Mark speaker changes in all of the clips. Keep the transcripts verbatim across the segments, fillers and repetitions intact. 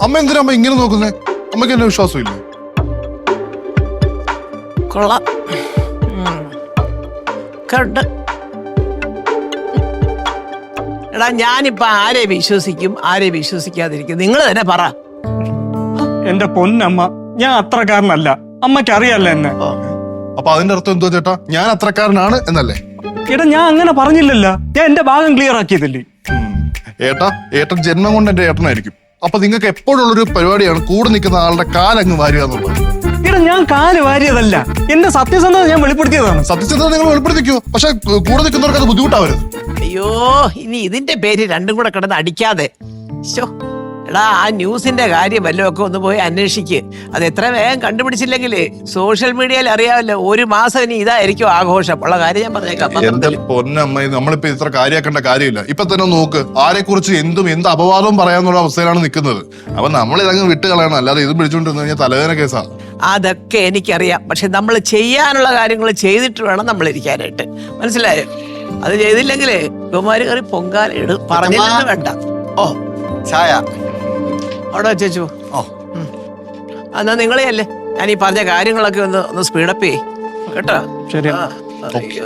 Speaker 1: അമ്മ എന്തിനാ അമ്മ ഇങ്ങനെ നോക്കുന്നേ? അമ്മയ്ക്ക് എന്നെ വിശ്വാസമില്ലേ?
Speaker 2: കൊള്ളാം. കണ്ട് എടാ, ഞാനിപ്പോ ആരെ വിശ്വസിക്കും ആരെ വിശ്വസിക്കാതിരിക്കും നിങ്ങൾ തന്നെ പറ.
Speaker 3: എന്റെ പൊന്നമ്മ, ഞാൻ അത്രക്കാരനല്ല. അമ്മയ്ക്ക് അറിയാല്ല എന്നെ.
Speaker 1: അപ്പൊ അതിന്റെ അർത്ഥം എന്തോ ചേട്ടാ? ഞാൻ അത്രക്കാരനാണ് എന്നല്ലേ?
Speaker 3: എടാ, ഞാൻ അങ്ങനെ പറഞ്ഞില്ലല്ലോ. ഞാൻ എന്റെ ഭാഗം ക്ലിയർ ആക്കിയതല്ലേ.
Speaker 1: ഏട്ടാ, ഏട്ടൻ ജന്മം കൊണ്ട് എന്റെ ഏട്ടനായിരിക്കും. അപ്പൊ നിങ്ങൾക്ക് എപ്പോഴുള്ളൊരു പരിപാടിയാണ് കൂടെ നിൽക്കുന്ന ആളുടെ കാലങ്ങ് വാരുക എന്നുള്ളത്.
Speaker 3: എടാ, ഞാൻ കാല് വാരിയതല്ല, എന്റെ സത്യസന്ധത ഞാൻ വെളിപ്പെടുത്തിയതാണ്.
Speaker 1: സത്യസന്ധത നിങ്ങൾ വെളിപ്പെടുത്തിക്കോ, പക്ഷെ കൂടെ നിൽക്കുന്നവർക്ക് അത് ബുദ്ധിമുട്ടാവരുത്.
Speaker 2: അയ്യോ, ഇനി ഇതിന്റെ പേര് രണ്ടും കൂടെ കിടന്ന് അടിക്കാതെ. ശോ, എടാ, ആ ന്യൂസിന്റെ കാര്യം വല്ലതും ഒക്കെ ഒന്ന് പോയി അന്വേഷിക്ക്. അത് എത്ര വേഗം കണ്ടുപിടിച്ചില്ലെങ്കിൽ സോഷ്യൽ മീഡിയയിൽ അറിയാമല്ലോ, ഒരു മാസം ഇനി ഇതായിരിക്കും ആഘോഷം. ഉള്ള കാര്യം ഞാൻ പറഞ്ഞേക്കാം.
Speaker 1: എന്റെ പൊന്നമ്മ, നമ്മളിപ്പോ ഇത്ര കാര്യമാക്കേണ്ട കാര്യമില്ല. ഇപ്പൊ തന്നെ നോക്ക്, ആരെ കുറിച്ച് എന്തും എന്ത് അപവാദവും പറയാന്നുള്ള അവസ്ഥയിലാണ് നിൽക്കുന്നത്. അപ്പൊ നമ്മൾ ഇതങ്ങ് വിട്ട് കളയണം, അല്ലാതെ ഇത് പിടിച്ചോണ്ടിരുന്നു കഴിഞ്ഞാൽ തലവേദന കേസാണ്.
Speaker 2: അതൊക്കെ എനിക്കറിയാം, പക്ഷെ നമ്മൾ ചെയ്യാനുള്ള കാര്യങ്ങൾ ചെയ്തിട്ട് വേണം നമ്മൾ ഇരിക്കാനായിട്ട്. മനസ്സിലായോ? അത് ചെയ്തില്ലെങ്കിലേ കുമാരി കറി പൊങ്കാല പറഞ്ഞില്ലെന്ന് വേണ്ട. ഓ,
Speaker 4: ചായ
Speaker 2: അവിടെ വെച്ചു.
Speaker 4: ഓ,
Speaker 2: എന്നാ നിങ്ങളെ അല്ലേ ഞാൻ ഈ പറഞ്ഞ കാര്യങ്ങളൊക്കെ ഒന്ന് ഒന്ന് സ്പീഡപ്പ് ചെയ്യ് കേട്ടോ.
Speaker 3: ശരി.
Speaker 2: അയ്യോ,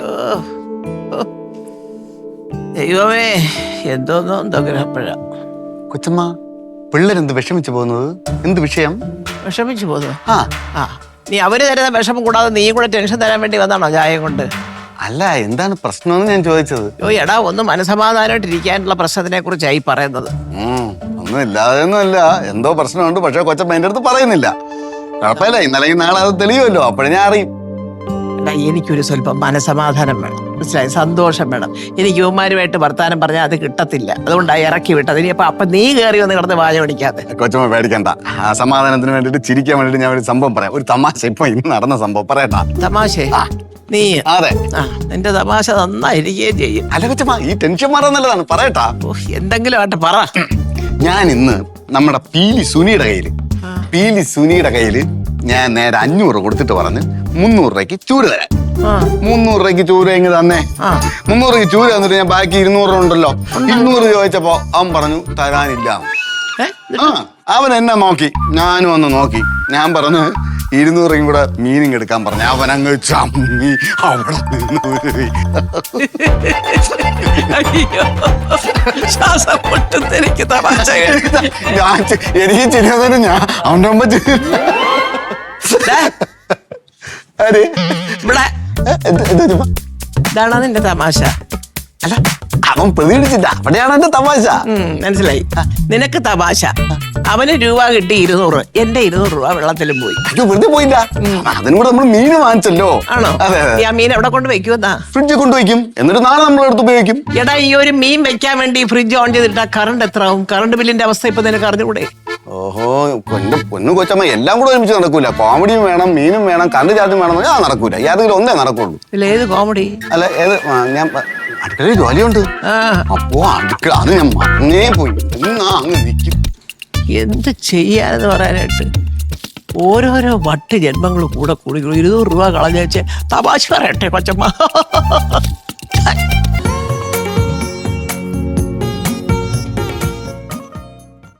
Speaker 2: ദൈവമേ, എന്തോന്നോ എന്തോ ഗ്രഹപ്പഴ.
Speaker 4: കൊച്ചമ്മ, പിള്ളേരെന്ത് വിഷമിച്ചു പോകുന്നത്? എന്ത് വിഷയം?
Speaker 2: വിഷമിച്ചു പോന്നു.
Speaker 4: ആ
Speaker 2: ആ നീ അവര് തരുന്ന വിഷമം കൂടാതെ നീയും കൂടെ ടെൻഷൻ തരാൻ വേണ്ടി വന്നാണോ ചായ കൊണ്ട്?
Speaker 4: അല്ല, എന്താണ് പ്രശ്നമെന്ന് ഞാൻ ചോദിച്ചത്.
Speaker 2: ഓ എടാ, ഒന്ന് മനസമാധാനമായിട്ട് ഇരിക്കാനുള്ള പ്രശ്നത്തിനെ കുറിച്ചായി പറയുന്നത്.
Speaker 4: ഉം ഒന്നും ഇല്ലാതെയൊന്നും അല്ല, എന്തോ പ്രശ്നമുണ്ട്. പക്ഷെ കൊച്ചമ്മ എന്റെ അടുത്ത് പറയുന്നില്ല. കുഴപ്പമില്ല, ഇന്നലെ നാളെ അത് തെളിയുമല്ലോ, അപ്പോഴും ഞാൻ അറിയും.
Speaker 2: എടാ, എനിക്കൊരു സ്വല്പം മനസമാധാനം വേണം, മനസ്സിലായി? സന്തോഷം വേണം. എനിക്ക് യുവമാരുമായിട്ട് വർത്താനം പറഞ്ഞാൽ അത് കിട്ടത്തില്ല. അതുകൊണ്ടാണ് ഇറക്കി വിട്ടത്. ഇനി അപ്പൊ അപ്പൊ നീ കയറി വന്ന് കിടന്ന് വാച പിടിക്കാതെ.
Speaker 4: കൊച്ചമ്മ പേടിക്കണ്ട. ആ സമാധാനത്തിന് വേണ്ടിട്ട് ചിരിക്കാൻ വേണ്ടിട്ട് ഞാൻ ഒരു സംഭവം പറയാം. ഒരു തമാശ ഇപ്പൊ ഇന്ന് നടന്ന സംഭവം പറയട്ടാ.
Speaker 2: തമാശ? നീ
Speaker 4: അതെ,
Speaker 2: ആ നിന്റെ തമാശ നന്നായിരിക്കുകയും ചെയ്യും.
Speaker 4: അല്ല കൊച്ചമ്മ, ഈ ടെൻഷൻ മാറാൻ നല്ലതാണ്, പറയട്ടാ.
Speaker 2: എന്തെങ്കിലും ആട്ടെ, പറ.
Speaker 4: ഞാൻ ഇന്ന് നമ്മുടെ പീലി സുനിയുടെ കയ്യില് പീലി സുനിയുടെ കയ്യില് ഞാൻ നേരെ അഞ്ഞൂറ് കൊടുത്തിട്ട് പറഞ്ഞ് മുന്നൂറ് രൂപയ്ക്ക് ചൂര തരാം. മുന്നൂറ് രൂപയ്ക്ക് ചൂര എങ്ങ് തന്നെ. മുന്നൂറ് രൂപയ്ക്ക് ചൂര തന്നിട്ട് ഞാൻ ബാക്കി ഇരുന്നൂറ് രൂപ ഉണ്ടല്ലോ, ഇരുന്നൂറ് ചോദിച്ചപ്പോ അവൻ പറഞ്ഞു തരാനില്ല. ആ അവൻ എന്നെ നോക്കി, ഞാനും ഒന്ന് നോക്കി. ഞാൻ പറഞ്ഞു ഇരുന്നൂറും കൂടെ മീനിങ് എടുക്കാൻ പറഞ്ഞു. അവൻ അങ്ങ് ചമ്മി അവിടെ ഞാൻ എനിക്ക് ചിരിയാതെ ഞാൻ അവൻ്റെ മുമ്പ്
Speaker 2: ഇതാണോ നിന്റെ തമാശ?
Speaker 4: അല്ല, അവൻ പ്രതികരിച്ചില്ല, അവിടെയാണ് എന്റെ തമാശ.
Speaker 2: മനസ്സിലായി. നിനക്ക് തമാശ. അവന് രൂപ കിട്ടി ഇരുന്നൂറ്, എന്റെ ഇരുന്നൂറ് രൂപ വെള്ളത്തിലും പോയി.
Speaker 4: അയ്യോ, വെറുതെ പോയില്ല, അതിനും കൂടെ നമ്മൾ മീൻ വാങ്ങിച്ചല്ലോ.
Speaker 2: ആണോ? ആ മീൻ എവിടെ കൊണ്ട് വെക്കുമെന്നാ?
Speaker 4: ഫ്രിഡ്ജിൽ കൊണ്ടുവയ്ക്കും, എന്നിട്ട് നാളെ നമ്മളെടുത്ത് ഉപയോഗിക്കും.
Speaker 2: എടാ, ഈ ഒരു മീൻ വെക്കാൻ വേണ്ടി ഫ്രിഡ്ജ് ഓൺ ചെയ്തിട്ടാ കറണ്ട് എത്ര ആവും? കറണ്ട് ബില്ലിന്റെ അവസ്ഥ ഇപ്പൊ നിനക്ക് അറിഞ്ഞുകൂടെ?
Speaker 4: ഓഹോ, എന്റെ പൊന്നു കൊച്ചമ്മ, എല്ലാം കൂടെ ഒരുമിച്ച് നടക്കൂല. കോമഡിയും വേണം, മീനും വേണം, കറണ്ട് ചാർജും വേണം. ഞാൻ നടക്കൂല, ഏതെങ്കിലും ഒന്നേ നടക്കുള്ളൂ.
Speaker 2: ഇല്ല, ഏത് കോമഡി?
Speaker 4: അല്ല, ഏത് ഞാൻ അടുക്കളയിൽ ജോലിയുണ്ട്. അപ്പോ അടുക്കള അത് ഞാൻ മറന്നേ പോയി. എന്നാ അങ്ങ് നിൽക്കും.
Speaker 2: എന്ത് ചെയ്യാനെന്ന് പറയാനായിട്ട് ഓരോരോ വട്ട് ജന്മങ്ങൾ കൂടെ കൂടി ഇരുന്നൂറ് രൂപ കളഞ്ഞു വെച്ച് തമാശ പറയട്ടെ കൊച്ചമ്മ.